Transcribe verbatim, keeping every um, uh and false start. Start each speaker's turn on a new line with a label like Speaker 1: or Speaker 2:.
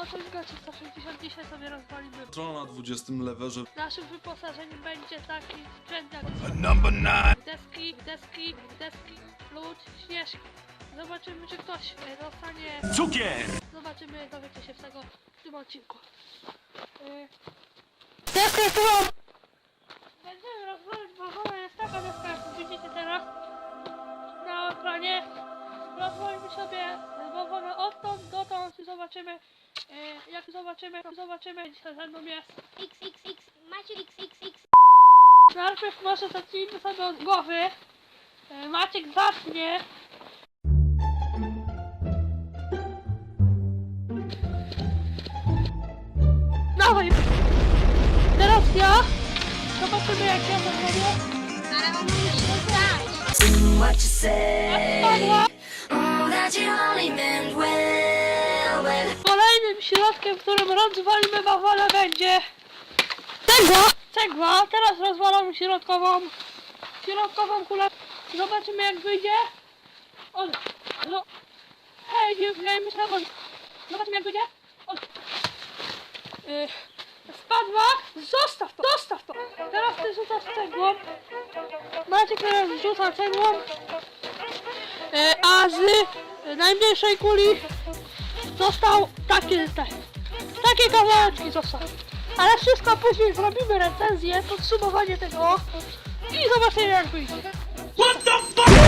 Speaker 1: Osiąga trzysta sześćdziesiąt, dzisiaj sobie rozwalimy.
Speaker 2: Strona na dwudziestym lewerze.
Speaker 1: Naszym wyposażeniem będzie taki sprzęt jak
Speaker 2: Number nine.
Speaker 1: deski, deski, deski, lód, śnieżki. Zobaczymy, czy ktoś e, dostanie...
Speaker 2: Cukier!
Speaker 1: Zobaczymy, dowiecie się z tego w tym odcinku. Yy... Deskę tu! Będziemy rozwalać, bo ona jest taka deska, jak widzicie teraz na ekranie. Rozwalimy sobie bałwana odtąd dotąd i zobaczymy, yy, jak zobaczymy, zobaczymy, dzisiaj ze mną jest
Speaker 3: X, X, X, Maciek X, X, X.
Speaker 1: Najpierw może zacznijmy sobie od głowy. Yy, Maciek zacznie. Dawaj! Teraz ja. Zobaczymy, jak ja to zrobię.
Speaker 3: Ale on musi to grać.
Speaker 4: What you say?
Speaker 1: Spadła.
Speaker 4: Oh, that you only meant well, well.
Speaker 1: Kolejnym środkiem, którym rozwalimy bawala, będzie cegła. Cegła. Teraz rozwalamy środkową środkową kulę. Zobaczymy, jak wyjdzie. O, no. Hej, hej, myślę, o. Zobaczymy, jak wyjdzie. O. Yy, spadła. Zostaw to, zostaw to. Teraz ty rzucasz cegłą. Maciek teraz rzuca cegłą. Yy, a z yy, najmniejszej kuli został taki, te, takie kawałeczki został. Ale wszystko później zrobimy recenzję, podsumowanie tego i zobaczymy, jak wyjdzie.
Speaker 2: What the fuck?